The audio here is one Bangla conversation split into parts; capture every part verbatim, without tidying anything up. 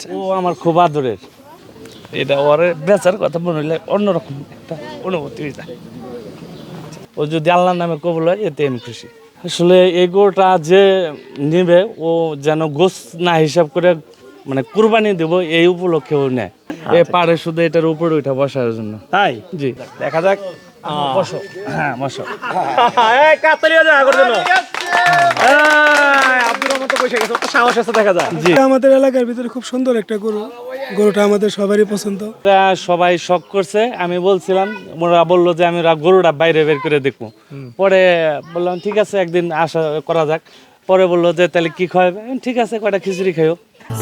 ও আমার খুব আদরের, এটা ওর বেচার কথা মনে হইলে অন্যরকম একটা অনুভূতি হয়ে যায়। ও যদি আল্লাহর নামে কবুল হয় এতে আমি খুশি। আসলে এই গরুটা যে নিবে ও যেন গোস না হিসাব করে মানে কুরবানি দেবো এই উপলক্ষে ও নেয়। এ পারে শুধু এটার উপরে উঠা বসার জন্য। তাই জি দেখা যাক। বসো, হ্যাঁ বসো। এই কাতালিয়া যা আগর জন্য আব্দুর রহমান তো বসে গেছে, ওর তো সাহস আছে দেখা যায়। জি আমাদের এলাকার ভিতরে খুব সুন্দর একটা গরু, গরুটা আমাদের সবারই পছন্দ। এটা সবাই শখ করছে, আমি বলছিলাম, ওরা বললো যে আমি ওরা গরুটা বাইরে বের করে দেখবো। পরে বললাম ঠিক আছে একদিন আশা করা যাক। পরে বললো যে তাহলে কি খাওয়াবে, আমি, ঠিক আছে কয়টা খিচুড়ি খাইও।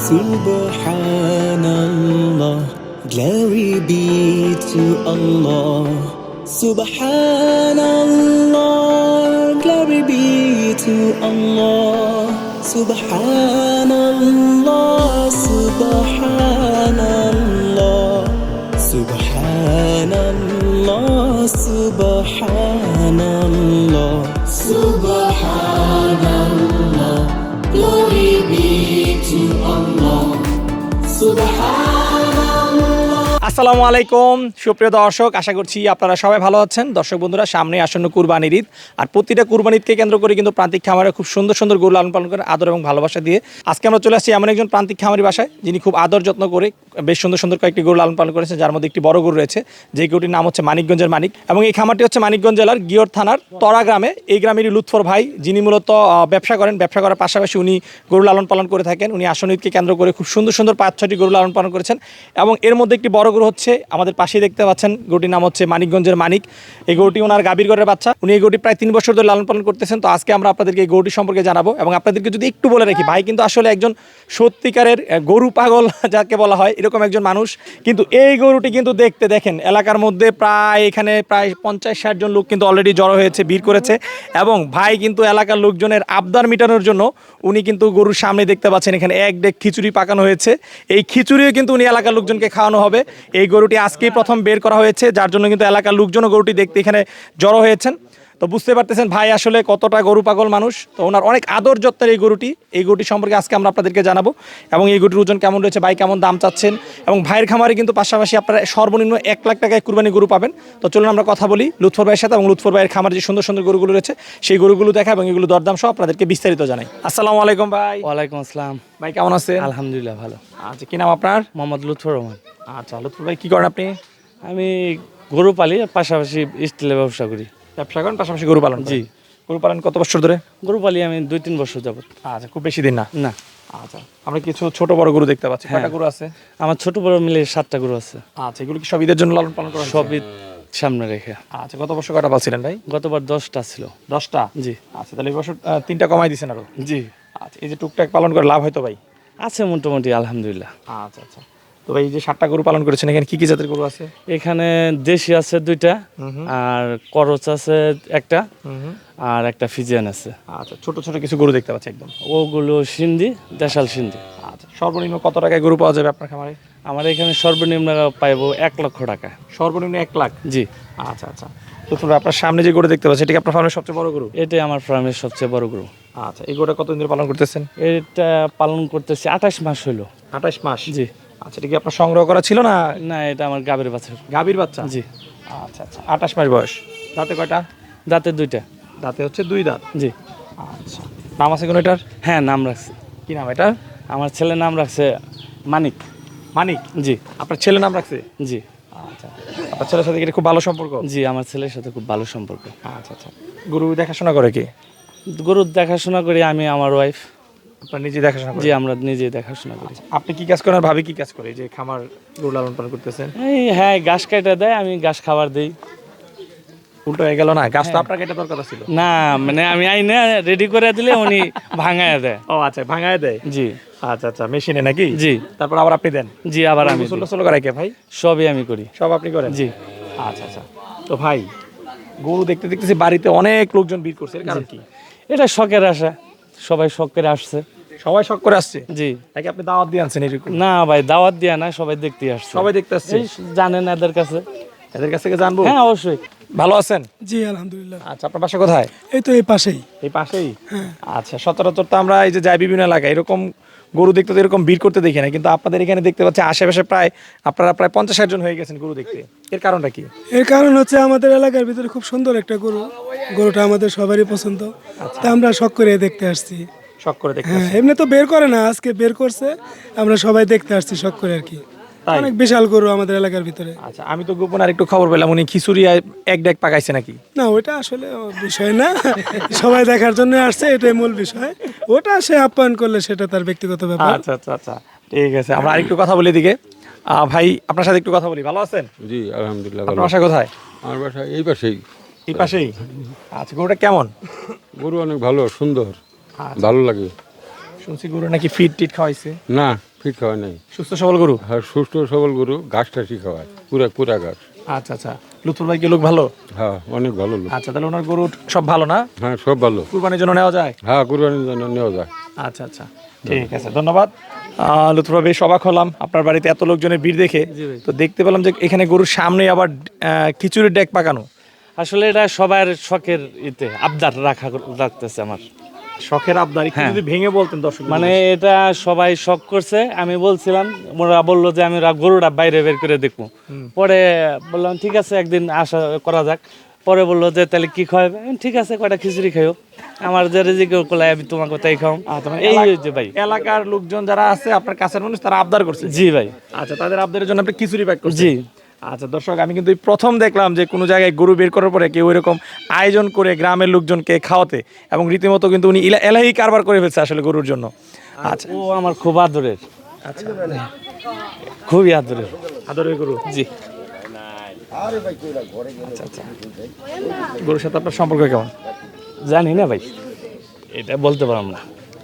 Subhanallah, glory be to Allah. Subhanallah, glory be to Allah. Subhanallah, Subhanallah, Subhanallah, Subhanallah, Subhanallah, glory be to Allah. আসসালামু আলাইকুম সুপ্রিয় দর্শক, আশা করছি আপনারা সবাই ভালো আছেন। দর্শক বন্ধুরা, সামনে আসন্ন কুরবানির ঈদ, আর প্রতিটা কুরবানি ঈদকে কেন্দ্র করে কিন্তু প্রান্তিক খামারে খুব সুন্দর সুন্দর গরু লালন পালন করে আদর এবং ভালোবাসা দিয়ে আজকে আমরা চলে আসছি এমন একজন প্রান্তিক খামারি বাসায়, যিনি খুব আদর যত্ন করে বেশ সুন্দর সুন্দর কয়েকটি গরু লালন পালন করেছেন, যার মধ্যে একটি বড় গরু রয়েছে, যে গরুটির নাম হচ্ছে মানিকগঞ্জের মানিক। এবং এই খামারটি হচ্ছে মানিকগঞ্জ জেলার গিয়র থানার তরা গ্রামে। এই গ্রামেরই লুৎফর ভাই, যিনি মূলত আহ, ব্যবসা করেন। ব্যবসা করার পাশাপাশি উনি গরু লালন পালন করে থাকেন। উনি আসন্ন ঈদকে কেন্দ্র করে খুব সুন্দর সুন্দর পাঁচ ছয়টি গরু লালন পালন করেছেন, এবং এর মধ্যে একটি বড় গরু হচ্ছে আমাদের পাশেই দেখতে পাচ্ছেন, গরুটির নাম হচ্ছে মানিকগঞ্জের মানিক। এই গরুটি ওনার গাভীর ঘরের বাচ্চা। উনি এই গরুটি প্রায় তিন বছর ধরে লালন পালন করতেছেন। তো আজকে আমরা আপনাদেরকে এই গরুটি সম্পর্কে জানাবো, এবং আপনাদেরকে যদি একটু বলে রাখি, ভাই কিন্তু আসলে একজন সত্যিকারের আহ, গরু পাগল যাকে বলা হয়, এরকম একজন মানুষ। কিন্তু এই গরুটি কিন্তু দেখতে দেখেন এলাকার মধ্যে প্রায় এখানে প্রায় পঞ্চাশ ষাট জন লোক কিন্তু অলরেডি জড়ো হয়েছে, ভিড় করেছে। এবং ভাই কিন্তু এলাকার লোকজনের আবদার মেটানোর জন্য উনি কিন্তু গরুর সামনে দেখতে পাচ্ছেন এখানে এক ডেক খিচুড়ি পাকানো হয়েছে। এই খিচুড়িও কিন্তু উনি এলাকার লোকজনকে খাওয়ানো হবে। এই গরুটি আজকেই প্রথম বের করা হয়েছে, যার জন্য কিন্তু এলাকার লোকজনও গরুটি দেখতে এখানে জড়ো হয়েছেন। তো বুঝতে পারতেছেন ভাই আসলে কতটা গরু পাগল মানুষ। তো ওনার অনেক আদর যত্নের এই গরুটি, এই গরুটি সম্পর্কে আজকে আমরা আপনাদেরকে জানাবো, এবং এই গরুটির ওজন কেমন রয়েছে, ভাই কেমন দাম চাচ্ছেন। এবং ভাইয়ের খামারে কিন্তু পাশাপাশি আপনারা সর্বনিম্ন এক লাখ টাকায় কুরবানি গরু পাবেন। তো চলুন আমরা কথা বলি লুৎফর ভাইয়ের সাথে, এবং লুৎফর ভাইয়ের খামারে যে সুন্দর সুন্দর গরুগুলো রয়েছে সেই গরুগুলো দেখা এবং এগুলো দরদাম সহ আপনাদেরকে বিস্তারিত জানাই। আসসালামু আলাইকুম ভাই। ওয়ালাইকুম আসসালাম। ভাই কেমন আছেন? আলহামদুলিল্লাহ ভালো। আচ্ছা, কি নাম আপনার? মোহাম্মদ লুৎফর রহমান। আচ্ছা, লুৎফর ভাই কি করেন আপনি? আমি গরু পালি, আর পাশাপাশি স্টিলের ব্যবসা করি। ব্যবসা করেন, পাশাপাশি গরু পালন করেন? জি। গরু পালন কত বছর ধরে? গরু পালি আমি দুই তিন বছর যাবত। আচ্ছা, খুব বেশি দিন না। না, আচ্ছা, আমরা কিছু ছোট বড় গরু দেখতে পাচ্ছি। হ্যাঁ। কয়টা গরু আছে? আমার ছোট বড় মিলে সাতটা গরু আছে। আচ্ছা, এগুলো কি সব ঈদের জন্য লালন পালন করা হয়েছে? সবই সামনে রেখে। আচ্ছা, গত বছর কয়টা পালছিলেন ভাই? গতবার দশটা ছিল। দশটা? জি। আচ্ছা, তাহলে এই বছর আহ, তিনটা কমাই দিয়েছেন আরো? জি, আচ্ছা, এই যে টুকটাক পালন করে লাভ হয়তো ভাই? আছে মোটামুটি আলহামদুলিল্লাহ। আচ্ছা আচ্ছা, তো ভাই এই যে সাতটা গরু পালন করেছেন, এখানে কি কি জাতের গরু আছে? এখানে দেশি আছে দুইটা, আর করচ আছে একটা, আর একটা ফিজিয়ান আছে। আচ্ছা, ছোট ছোট কিছু গরু দেখতে পাচ্ছি একদম। ওগুলো সিন্ধি, দেশাল সিন্ধি। আচ্ছা, সর্বনিম্ন কত টাকায় গরু পাওয়া যাবে আপনার খামারে? আমার এখানে সর্বনিম্ন পাইবো এক লক্ষ টাকা। সর্বনিম্ন এক লাখ? জি। আচ্ছা আচ্ছা, তো তোমরা আপনার সামনে যে গরু দেখতে পাচ্ছি, এটা কি আপনার ফার্মের সবচেয়ে বড় গরু? এটাই আমার ফার্মের সবচেয়ে বড় গরু। আচ্ছা, এই গরুটা কতদিন ধরে পালন করতেছেন? এটা পালন করতেছি আঠাশ মাস হলো। আঠাশ মাস? জি। আচ্ছা, এটা কি আপনার সংগ্রহ করা ছিল না? না, এটা আমার গাবের বাছুর। গাভীর বাচ্চা? জি। আচ্ছা আচ্ছা, আঠাশ মাস বয়স। দাঁতে কয়টা? দাঁতে দুইটা। দাঁতে হচ্ছে দুই দাঁত? জি। আচ্ছা, নাম আছে কোনো এটার? হ্যাঁ, নাম রাখছি। কি নাম এটা? আমার ছেলের নাম রাখছে মানিক। মানিক? জি। আপনার ছেলের নাম রাখছে? জি। আচ্ছা, আপনার ছেলের সাথে কি এটা খুব ভালো সম্পর্ক? জি, আমার ছেলের সাথে খুব ভালো সম্পর্ক। আচ্ছা আচ্ছা, গরু দেখাশোনা করে কি? গরুর দেখাশোনা করি আমি, আমার ওয়াইফ। আপনার নিজে দেখাশোনা করে? জি, আমরা নিজে দেখাশোনা করি। আপনি কি কাজ করেন আর ভাবি কি কাজ করে, এই যে খামার গরু লালন পালন করতেছেন? এই হ্যাঁ, ঘাস কাটা দেয়, আমি ঘাস খাবার দিই। উল্টো হয়ে গেল না, গাছ তো আপনার কেটে দরকার ছিল। না, মানে আমি আইনে রেডি করে দিলে উনি ভাঙায় দেয়। ও আচ্ছা, ভাঙায় দেয়? জি। আচ্ছা আচ্ছা, মেশিনে নাকি? জি। তারপর আবার আপনি দেন? জি, আবার আমি গোসল দিই। টোসল করায় কে ভাই? সবই আমি করি। সব আপনি করেন? জি। আচ্ছা আচ্ছা, তো ভাই গরু দেখতে দেখতেছি বাড়িতে অনেক লোকজন ভিড় করছে, এর কারণ কি? এটা শখের আশা, সবাই শখ করে আসছে। সবাই শখ করে আসছে? জি। নাকি আপনি দাওয়াত দিয়ে আনছেন এরকম? না ভাই, দাওয়াত দিয়া না, সবাই দেখতে আসছে। সবাই দেখতে আসছে? এই জানেন এদের কাছে। এদের কাছ থেকে জানবো? হ্যাঁ, অবশ্যই। ভালো আছেন? জি আলহামদুলিল্লাহ। আচ্ছা, আপনার বাসা কোথায়? এই তো এই পাশেই। এই পাশেই? আচ্ছা, সচরাচর তো আমরা এই যে যাই বিভিন্ন এলাকায়, এরকম গরু দেখতে তো এরকম ভিড় করতে দেখি না, কিন্তু আপনাদের এখানে দেখতে পাচ্ছি আশেপাশে প্রায় আপনারা প্রায় পঞ্চাশ ষাট জন হয়ে গেছেন গরু দেখতে। এর কারণটা কি? এর কারণ হচ্ছে আমাদের এলাকার ভিতরে খুব সুন্দর একটা গরু, গরুটা আমাদের সবারই পছন্দ, তা আমরা শখ করে দেখতে আসছি। শখ করে দেখতে হ্যাঁ, এমনি তো বের করে না, আজকে বের করছে, আমরা সবাই দেখতে আসছি শখ করে আর কি। তাই? অনেক বিশাল গরু আমাদের এলাকার ভিতরে। আচ্ছা, আমি তো গোপন আর একটু খবর পেলাম উনি খিচুড়ি আর এক ডেক পাকাইছে নাকি? না, ওইটা আসলে বিষয় না, সবাই দেখার জন্য আসছে, এটাই মূল বিষয়। ওটা সে আপ্যায়ন করলে সেটা তার ব্যক্তিগত ব্যাপার। আচ্ছা আচ্ছা আচ্ছা, ঠিক আছে। আমরা আরেকটু কথা বলি দিকে। আহ, ভাই আপনার সাথে একটু কথা বলি, ভালো আছেন? জি আলহামদুলিল্লাহ ভালো। আপনার বাসা কোথায়? আমার বাসা এই পাশেই। এই পাশেই? আচ্ছা, গরুটা কেমন? গরু অনেক ভালো, সুন্দর, আচ্ছা। ভালো লাগে। শুনছি গরু নাকি ফিট টিট খাওয়াইছে। না, ফিট খাওয়ায় নাই, সুস্থ সবল গরু। আর সুস্থ সবল গরু, ঘাস টাসি খাওয়ায়, পুরা পুরা ঘাস। আচ্ছা আচ্ছা, লুৎফুল ভাই কি লোক ভালো? হ্যাঁ, অনেক ভালো লোক। আচ্ছা, তাহলে ওনার গরু সব ভালো না? হ্যাঁ, সব ভালো। কুরবানির জন্য নেওয়া যায়? হ্যাঁ, কুরবানির জন্য নেওয়া যায়। আচ্ছা আচ্ছা, ঠিক আছে, ধন্যবাদ। আহ, লুৎফুল ভাই, বেশ অবাক হলাম আপনার বাড়িতে এত লোকজনের ভিড় দেখে। তো দেখতে পেলাম যে এখানে গরুর সামনে আবার আহ, খিচুড়ির ডেক পাকানো। আসলে এটা সবার শখের ইতে আবদার রাখা রাখতেছে আমার। শখের আবদার, একটু হ্যাঁ। যদি ভেঙে বলতেন দর্শক। মানে এটা সবাই শখ করছে, আমি বলছিলাম, ওরা বললো যে আমি রা- গরুটা বাইরে বের করে দেখবো। পরে বললাম ঠিক আছে, একদিন আশা করা যাক। পরে বললো যে তাহলে কি খাওয়াবে, আমি, ঠিক আছে কয়টা খিচুড়ি খাইও, আমার যে রেজিকে কোলায় আমি তোমাকে তাই খাও। এই যে ভাই, এলাকার লোকজন যারা আছে আপনার কাছের মানুষ, তারা আবদার করছে। জি ভাই, আচ্ছা, তাদের আবদারের জন্য আপনি খিচুড়ি প্যাক করছেন। জি। আচ্ছা দর্শক, আমি কিন্তু এই প্রথম দেখলাম যে কোনো জায়গায় গরু বের করার পরে কেউ এরকম আয়োজন করে গ্রামের লোকজনকে খাওয়াতে, এবং রীতিমতো কিন্তু উনি ইলা- এলাহি কারবার করে ফেলছে আসলে গরুর জন্য। আচ্ছা ও আমার খুব আদরের, আচ্ছা, খুবই আদরের। আদরের গরু। জি। আচ্ছা আচ্ছা, গরুর সাথে আপনার সম্পর্ক কেমন? জানি না ভাই, এটা বলতে পারলাম না।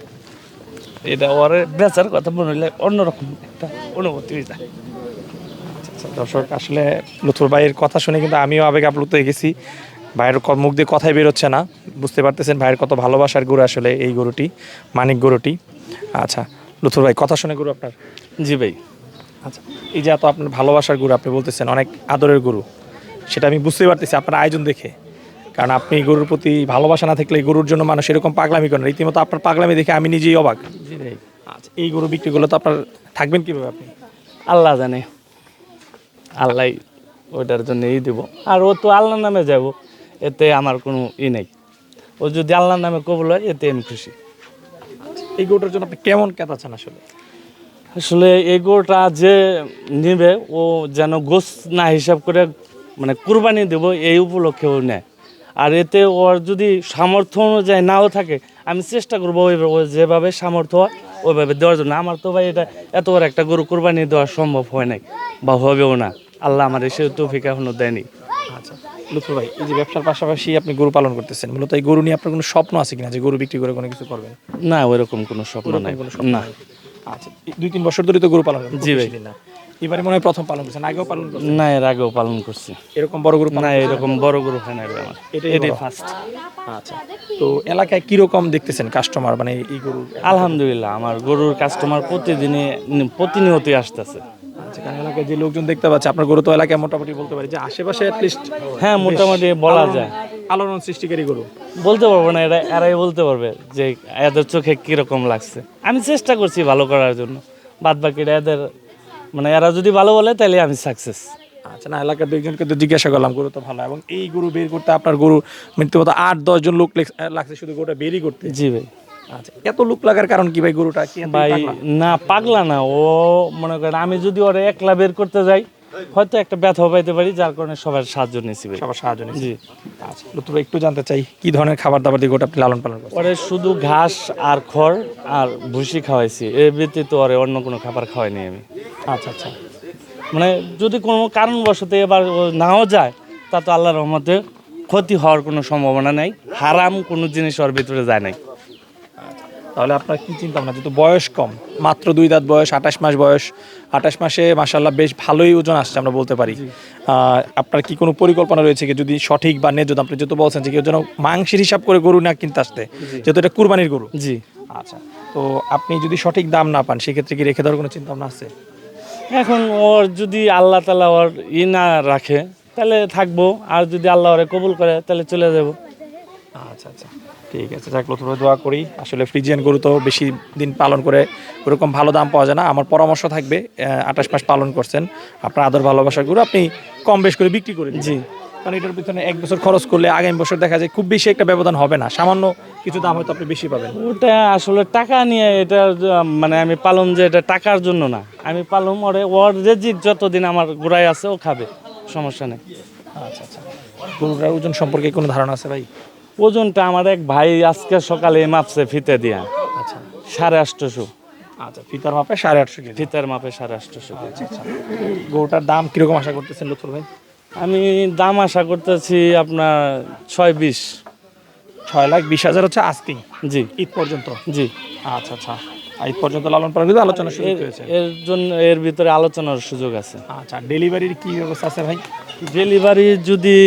এটা ওর বেচার কথা মনে হইলে অন্যরকম একটা অনুভূতি হয়ে যায়। আচ্ছা দর্শক, আসলে লুৎফুল ভাইয়ের কথা শুনে কিন্তু আমিও আবেগ আপ্লুত হয়ে গেছি। ভাইয়ের ক- মুখ দিয়ে কথাই বেরোচ্ছে না, বুঝতে পারতেছেন ভাইয়ের কত ভালোবাসার গরু আসলে এই গরুটি, মানিক গরুটি। আচ্ছা লুৎফুল ভাই, কথা শুনে গরু আপনার। জি ভাই। আচ্ছা, এই যে এত আপনার ভালোবাসার গরু, আপনি বলতেছেন অনেক আদরের গরু, সেটা আমি বুঝতে পারতেছি আপনার আয়োজন দেখে। কারণ আপনি গরুর প্রতি ভালোবাসা না থাকলে এই গরুর জন্য মানুষ এরকম পাগলামি করেন। রীতিমতো আপনার পাগলামি দেখে আমি নিজেই অবাক। জি ভাই। আচ্ছা, এই গরু বিক্রি করলে তো আপনার থাকবেন কীভাবে আপনি? আল্লাহ জানে, আল্লাহ ওইটার জন্য ই দিব। আর ও তো আল্লাহর নামে যাব, এতে আমার কোনো ই নেই। ও যদি আল্লাহর নামে কবুল হয়, এতে আমি খুশি। এই গরুটার জন্য আপনি কেমন কেতাচ্ছেন আসলে? আসলে এই গরুটা যে নিবে, ও যেন গোস না হিসাব করে মানে কুরবানি দেব এই উপলক্ষে ও নেয়। আর এতে ওর যদি সামর্থ্য অনুযায়ী নাও থাকে, আমি চেষ্টা করবো ওইভাবে, ও যেভাবে সামর্থ্য হয় ওইভাবে দেওয়ার জন্য। আমার তো ভাই এটা এত বড় একটা গরু কুরবানি দেওয়া সম্ভব হয় নাই, বা হবেও না। আল্লাহ আমার এসে তৌফিক এখনো দেয়নি। আচ্ছা লুৎফুল ভাই, এই যে ব্যবসার পাশাপাশি আপনি গরু পালন করতেছেন, মূলত এই গরু নিয়ে আপনার কোনো স্বপ্ন আছে কিনা যে গরু বিক্রি করে কোনো কিছু করবেন? না, ওইরকম কোনো স্বপ্ন নাই। কোনো স্বপ্ন না। নেই। আচ্ছা, এই দুই তিন বছর ধরে তো গরু পালন করেন। জি ভাই। না, এবারে মনে হয় প্রথম পালন করছেন, আগেও পালন করছেন? না, এর আগেও পালন করছি। এরকম বড় গরু না, পালন এরকম বড় গরু হয় না রে আমার, এটাই এটাই বড়। ফার্স্ট। আচ্ছা, তো এলাকায় কিরকম দেখতেছেন কাস্টমার, মানে এই গরু? আলহামদুলিল্লাহ, আমার গরুর কাস্টমার প্রতিদিনই প্রতিনিয়তই আসতেছে। আচ্ছা, কারণ এলাকায় যে লোকজন দেখতে পাচ্ছে আপনার গরু, তো এলাকায় মোটামুটি বলতে পারি যে আশেপাশে অ্যাটলিস্ট হ্যাঁ, মোটামুটি বলা যায়। আলোড়ন সৃষ্টিকারী গরু। বলতে পারবো না, এরা এরাই বলতে পারবে যে এদের চোখে কিরকম লাগছে। আমি চেষ্টা করছি ভালো করার জন্য, বাদ বাকিরা এদের মানে এরা যদি ভালো বলে তাহলে আমি সাকসেস। আচ্ছা, না এলাকার দুইজনকে তো জিজ্ঞাসা করলাম, গরু তো ভালো, এবং এই গরু বের করতে আপনার গরু মৃত্যুমতো আট দশ জন লোক লেগ- লাগছে শুধু গরুটা বেরই করতে। জি ভাই। আচ্ছা, এত লোক লাগার কারণ কি ভাই? গরুটা কি এতই ভাই পাগলা? না, পাগলা না ও, মনে করেন আমি যদি ওরা একলা বের করতে যাই হয়তো একটা ব্যথা পাইতে পারি, যার কারণে সবার সাহায্য নিয়েছি ভাই। সবার সাহায্য নিয়েছে। জি। আচ্ছা, লুৎফুল ভাই, একটু জানতে চাই কি ধরনের খাবার দাবার দিয়ে গোটা আপনি লালন পালন করছেন? ওরে শুধু ঘাস আর খড় আর ভুসি খাওয়াইছি, এর ব্যতীত ওরে অন্য কোনো খাবার খাওয়াইনি আমি। আচ্ছা আচ্ছা, মানে যদি কোনো কারণবশত এবার ও নাও যায়, তা তো আল্লাহর রহমতে ক্ষতি হওয়ার কোনো সম্ভাবনা নাই, হারাম কোনো জিনিস ওর ভিতরে যায় নাই। তাহলে আপনার কি চিন্তা ভাবনা, যেহেতু বয়স কম, মাত্র দুই দাঁত বয়স, আঠাশ মাস বয়স, আঠাশ মাসে মাশাআল্লাহ বেশ ভালোই ওজন আসছে আমরা বলতে পারি। আহ, আপনার কি কোনো পরিকল্পনা রয়েছে কি, যদি সঠিক বা ন্যায্য দাম, আপনি যেহেতু বলছেন যে কেউ যেন মাংসের হিসাব করে গরু না কিনতে আসতে, যেহেতু এটা কুরবানির গরু। জি। আচ্ছা, তো আপনি যদি সঠিক দাম না পান, সেক্ষেত্রে কি রেখে দেওয়ার কোনো চিন্তা ভাবনা আছে? এখন ওর যদি আল্লাহ তালা ওর ই না রাখে তাহলে থাকবো, আর যদি আল্লাহ ওরে কবুল করে তাহলে চলে যাব। আচ্ছা আচ্ছা, ঠিক আছে, যাক লতুর ভাই দোয়া করি। আসলে ফ্রিজিয়ান গরু তো বেশি দিন পালন করে ওরকম ভালো দাম পাওয়া যায় না। আমার পরামর্শ থাকবে, আঠাশ মাস পালন করছেন, আপনার আদর ভালোবাসার গরু আপনি কম বেশ করে বিক্রি করে দিন। জি। কারণ এটার পিছনে এক বছর খরচ করলে আগামী বছর দেখা যায় খুব বেশি একটা ব্যবধান হবে না, সামান্য কিছু দাম হয়তো আপনি বেশি পাবেন। ওটা আসলে টাকা নিয়ে এটা যে- মানে আমি পালন যে এটা টাকার জন্য না, আমি পালন ওরে ওর রেজিক যতদিন আমার গোড়ায় আছে ও খাবে, সমস্যা নেই। আচ্ছা আচ্ছা, গরুটার ওজন সম্পর্কে কোনো ধারণা আছে ভাই? ওজনটা আমার এক ভাই আজকে সকালে মাপছে ফিতে দিয়া, আচ্ছা সাড়ে আটশোশো। আচ্ছা, ফিতার মাপে সাড়ে আটশো কেজি। ফিতার মাপে সাড়ে আটশোশো কেজি। গরুটার দাম কিরকম আশা করতেছেন লুৎফর ভাই? আমি দাম আশা করতেছি আপনার ছয় বিশ। ছয় লাখ বিশ হাজার হচ্ছে আস্কিং জি ঈদ পর্যন্ত। জি। আচ্ছা আচ্ছা, ঈদ পর্যন্ত লালন পালন কিন্তু আলোচনা শুরু এর- হয়েছে। এর জন্য এর ভিতরে আলোচনার সুযোগ আছে। আচ্ছা, ডেলিভারির কি ব্যবস্থা আছে ভাই? ডেলিভারি যদি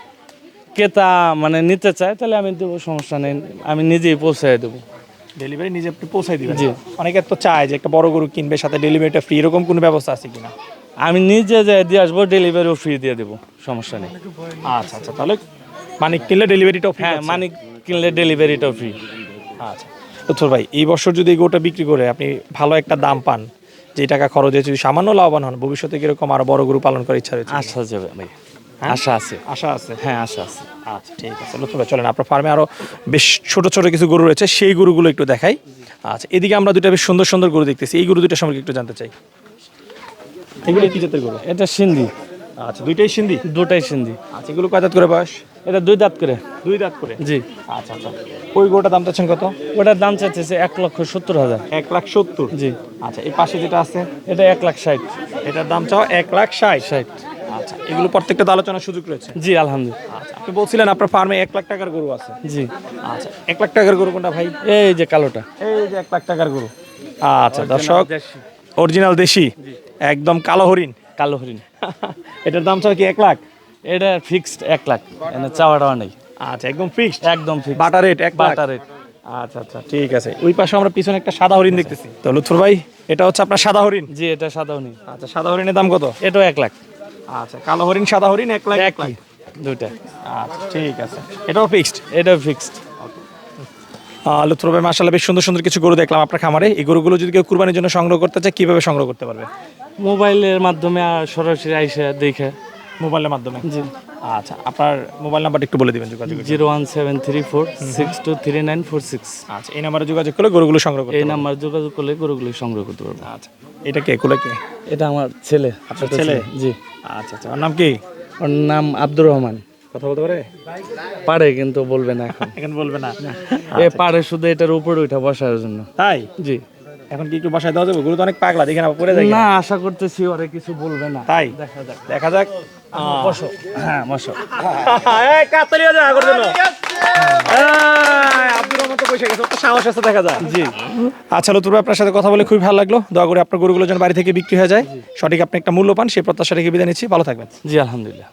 ক্রেতা মানে নিতে চায় তাহলে আমি দেবো, সমস্যা নেই, আমি নিজেই পৌঁছায় দেবো। ডেলিভারি নিজে আপনি পৌঁছাই দিবেন? জি। অনেকে তো চায় যে একটা বড় গরু কিনবে সাথে ডেলিভারিটা ফ্রি, এরকম কোনো ব্যবস্থা আছে কিনা? আমি নিজে যাই দিয়ে আসবো, ডেলিভারিও ফ্রি দিয়ে দেবো, সমস্যা নেই। আচ্ছা আচ্টা, তাহলে মানে কিনলে ডেলিভারিটাও ফ্রি? হ্যাঁ, মানি কিনলে ডেলিভারিটাও ফ্রি। আচ্ছা লুৎফর ভাই, এই বছর যদি এই গরুটা বিক্রি করে আপনি ভালো একটা দাম পান, যে টাকা খরচ হয়েছে যদি সামান্য লাভবান হন, ভবিষ্যতে কিরকম আরো বড় গরু পালন করার ইচ্ছা রয়েছে? আশা যাবে ভাই, আশা আছে। আশা আছে? হ্যাঁ, আশা আছে। আচ্ছা ঠিক আছে লুৎফর ভাই, চলেন আপনার ফার্মে আরো বেশ ছোট ছোট কিছু গরু রয়েছে, সেই গরুগুলো একটু দেখাই। আচ্ছা, এদিকে আমরা দুইটা বেশ সুন্দর সুন্দর গরু দেখতেছি, এই গরু দুইটা সম্পর্কে একটু জানতে চাই। এগুলো কি জাতের গরু? এটা সিন্ধি, আচ্ছা, দুইটাই সিন্ধি? দুটাই সিন্ধি। আচ্ছা, এগুলো কয় দাঁত করে বয়স? এটা দুই দাঁত করে। দুই দাঁত করে? জি। আচ্ছা আচ্ছা, ওই গরুটার দাম চাচ্ছেন কত? ওটার দাম চাইতেছে এক লক্ষ সত্তর হাজার। এক লাখ সত্তর? জি। আচ্ছা, এই পাশে যেটা আছে এটা এক লাখ ষাট। এটার দাম চাও এক লাখ ষাট? ষাট। আচ্ছা, এগুলো প্রত্যেকটা তো আলোচনার সুযোগ রয়েছে? জি, আলহামদুলিল্লাহ। আচ্ছা, আপনি বলছিলেন আপনার ফার্মে এক লাখ টাকার গরু আছে? জি। আচ্ছা, এক লাখ টাকার গরু কোনটা ভাই? এই যে কালোটা। এই যে এক লাখ টাকার গরু। আচ্ছা দর্শক, অরিজিনাল দেশি একদম কালো হরিণ। কালো হরিণ। এটার দাম চাও কি এক লাখ? এটা ফিক্সড এক লাখ, এনে চাওয়া টাওয়া নেই। আচ্ছা, একদম ফিক্সড? একদম ফিক্সড। বাটা রেট এক লাখ? বাটা রেট। আচ্ছা আচ্ছা, ঠিক আছে। ওই পাশে আমরা পিছনে একটা সাদা হরিণ দেখতেছি। তো লুৎফর ভাই, এটা হচ্ছে আপনার সাদা হরিণ? জি, এটা সাদা হরিণ। আচ্ছা, সাদা হরিণের দাম কত? এটাও এক লাখ। আচ্ছা, কালো হরিণ সাদা হরিণ এক লাখ? এক লাখ দুইটা। আচ্ছা ঠিক আছে, এটাও ফিক্সড? এটাও ফিক্সড। লুৎফর ভাই মাশাআল্লাহ বেশ সুন্দর সুন্দর কিছু গরু দেখলাম আপনার খামারে। এই গরুগুলো যদি কেউ কুরবানির জন্য সংগ্রহ করতে চায় কিভাবে সংগ্রহ করতে পারবে? মোবাইলের মাধ্যমে আর সরাসরি আইসা দেখে। মোবাইলের মাধ্যমে? জি। আচ্ছা, আপনার মোবাইল নাম্বারটা একটু বলে দিবেন যোগাযোগ। Zero one seven three four six two three nine four six. আচ্ছা, এই নাম্বারে যোগাযোগ করলে গরুগুলো সংগ্রহ করতে এই পারবেন। নাম্বার যোগাযোগ করলে গরুগুলি সংগ্রহ করতে পারবো। আচ্ছা, এটা কে কোলে কে? এটা আমার ছেলে। আপনার ছোট ছেলে? জি। আচ্ছা আচ্ছা, ওর নাম কি? ওর নাম আব্দুর রহমান। কথা বলতে পারে? পারে, কিন্তু বলবে না এখন। এখন বলবে না? এ পারে শুধু এটার উপরে ওইটা বসার জন্য। তাই? জি। এখন কি একটু বাসায় দেওয়া যাবে? গরু তো অনেক পাগলা, দেখে না পড়ে যায়। না, আশা করতেছি ওরে কিছু বলবে না। তাই? দেখা যাক। দেখা যাক। বসো। হ্যাঁ, বসো। এই কাতালি যা আগর জন্য। এই, আব্দুর রহমান তো বসে গেছে, ওর তো সাহস আছে দেখা যায়। জি। আচ্ছা লুৎফর ভাই, আপনার সাথে কথা বলে খুবই ভালো লাগলো। দোয়া করে আপনার গরুগুলো যেন বাড়ি থেকে বিক্রি হয়ে যায়, সঠিক আপনি একটা মূল্য পান, সেই প্রত্যাশা রেখে বিদায় নিচ্ছি। ভালো থাকবেন। জি, আলহামদুলিল্লাহ।